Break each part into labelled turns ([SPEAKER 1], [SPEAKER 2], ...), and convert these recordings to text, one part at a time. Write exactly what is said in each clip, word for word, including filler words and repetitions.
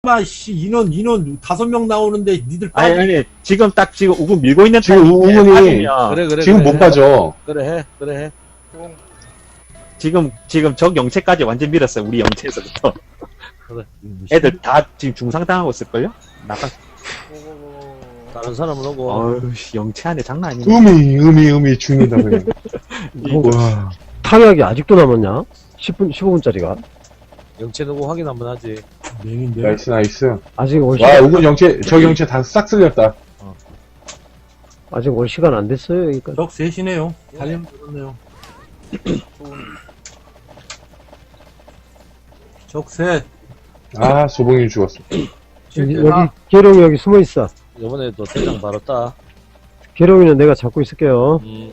[SPEAKER 1] 씨발, 씨, 인원, 인원 다섯 명 나오는데 니들
[SPEAKER 2] 아니,
[SPEAKER 1] 빠져.
[SPEAKER 2] 아니, 지금 딱 지금 우군 밀고 있는
[SPEAKER 3] 지금
[SPEAKER 2] 타이밍에
[SPEAKER 3] 우군이
[SPEAKER 2] 빠지면
[SPEAKER 4] 그래, 그래.
[SPEAKER 3] 지금
[SPEAKER 4] 그래,
[SPEAKER 3] 못 빠져.
[SPEAKER 4] 그래, 해. 그래, 해.
[SPEAKER 5] 뽕.
[SPEAKER 2] 지금, 지금 적 영체까지 완전 밀었어요. 우리 영체에서부터.
[SPEAKER 4] 그래.
[SPEAKER 2] 애들 다 지금 중상당하고 있을걸요? 나가,
[SPEAKER 5] 오오오.
[SPEAKER 4] 다른 사람은 오고.
[SPEAKER 2] 어휴, 씨, 영체 안에 장난 아니네.
[SPEAKER 3] 음이, 음이, 음이 죽는다, 그냥. 와.
[SPEAKER 6] 타격이 아직도 남았냐? 십 분, 십오 분짜리가.
[SPEAKER 4] 영체 누구 확인 한번 하지.
[SPEAKER 1] 맹인데.
[SPEAKER 3] 나이스, 나이스.
[SPEAKER 6] 아직 올
[SPEAKER 3] 와,
[SPEAKER 6] 시간,
[SPEAKER 3] 우군 영체, 저 영체 다 싹 쓸렸다.
[SPEAKER 6] 아직 올 시간 안 됐어요, 여기까지.
[SPEAKER 1] 적 셋이네요. 달리면 되겠네요.
[SPEAKER 5] 좋은.
[SPEAKER 1] 적 셋.
[SPEAKER 3] 아, 소봉이 죽었어.
[SPEAKER 6] 여기, 여기, 계룡이 여기 숨어 있어.
[SPEAKER 4] 이번에도 대장 바로 따.
[SPEAKER 6] 계룡이는 내가 잡고 있을게요.
[SPEAKER 4] 음.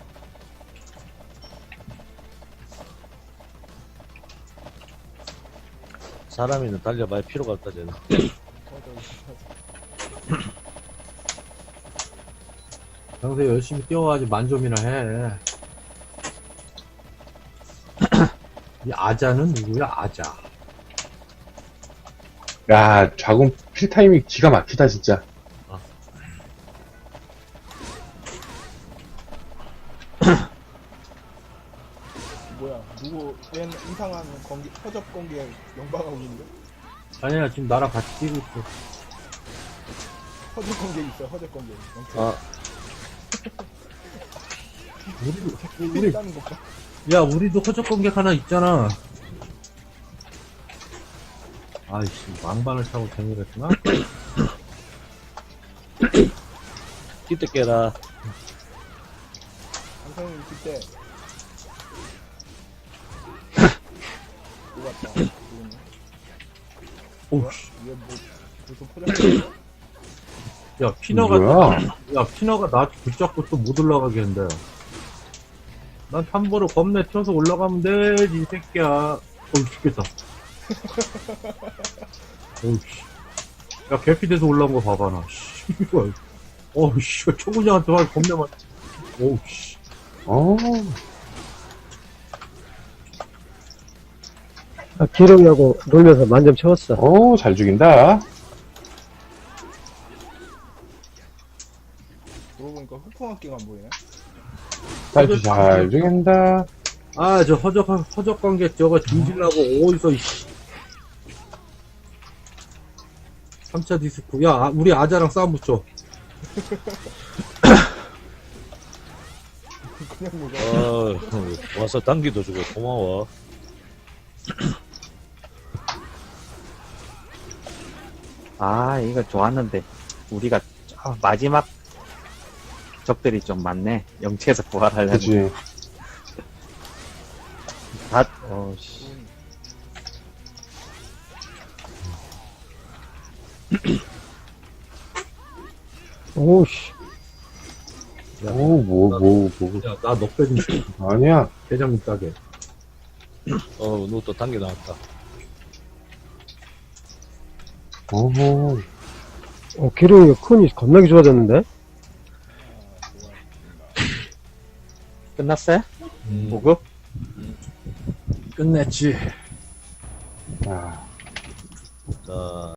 [SPEAKER 4] 사람이는 달려봐야 필요가 없다, 쟤는.
[SPEAKER 1] 평소에 열심히 뛰어가지고 만점이나 해. 이 아자는 누구야, 아자?
[SPEAKER 3] 야, 좌군 필타임이 기가 막히다, 진짜.
[SPEAKER 5] 뭐야? 누구 웬 이상한 공기 허접 공기에 영방하고 있는데?
[SPEAKER 1] 아니야, 지금 나랑 같이 뛰고 있어.
[SPEAKER 5] 허접 공기 있어. 허접 공기.
[SPEAKER 4] 아,
[SPEAKER 1] 우리도,
[SPEAKER 5] 우리
[SPEAKER 1] 우리,
[SPEAKER 5] 따는 것 봐.
[SPEAKER 1] 야, 우리도 허접 공격 하나 있잖아. 아이씨, 왕반을 타고 댕기랬구나?
[SPEAKER 4] 기대 깨라.
[SPEAKER 5] 강성님 그때. 누가 왔다. 누구냐?
[SPEAKER 1] 오우씨.
[SPEAKER 5] 얘 뭐 무슨 포장?
[SPEAKER 1] 야, 피너가,
[SPEAKER 3] 뭐야?
[SPEAKER 1] 야, 피너가 나 붙잡고 또 못 올라가게 한다. 난 탐보로 겁내 튀어서 올라가면 되지, 이 새끼야. 어우, 죽겠다. 어우씨. 야, 개피 돼서 올라온 거 봐봐, 나. 씨발. 어우씨, 초구장한테 와, 겁내 맞 어우씨.
[SPEAKER 3] 어,
[SPEAKER 6] 아, 계룡이하고 놀면서 만점 채웠어.
[SPEAKER 3] 어, 잘 죽인다.
[SPEAKER 5] 그러고 보니까 흑풍학기가 안 보이네.
[SPEAKER 3] 잘, 잘 죽인다.
[SPEAKER 1] 아, 저 허적, 허적 관계 저거 뒤질라고, 어디서, 이씨. 삼 차 디스크. 야, 아, 우리 아자랑 싸움 붙여.
[SPEAKER 5] 그냥 뭐가.
[SPEAKER 4] 어, 와서 당기도 주고 고마워.
[SPEAKER 2] 아, 이거 좋았는데. 우리가, 아, 마지막 적들이 좀 많네. 영체에서 부활하려면.
[SPEAKER 3] 그치.
[SPEAKER 2] 다, 어, 씨.
[SPEAKER 6] 오우씨.
[SPEAKER 3] 오, 뭐, 뭐, 뭐.
[SPEAKER 1] 야, 나 넉배 좀 줘.
[SPEAKER 3] 아니야.
[SPEAKER 1] 대장님 싸게.
[SPEAKER 4] 어, 누구 또 당겨 나왔다.
[SPEAKER 3] 어허.
[SPEAKER 6] 어, 계룡이가 큰이 겁나게 좋아졌는데?
[SPEAKER 2] 끝났어요?
[SPEAKER 4] 음.
[SPEAKER 2] 보급?
[SPEAKER 1] 끝냈지.
[SPEAKER 3] 아.
[SPEAKER 4] 자.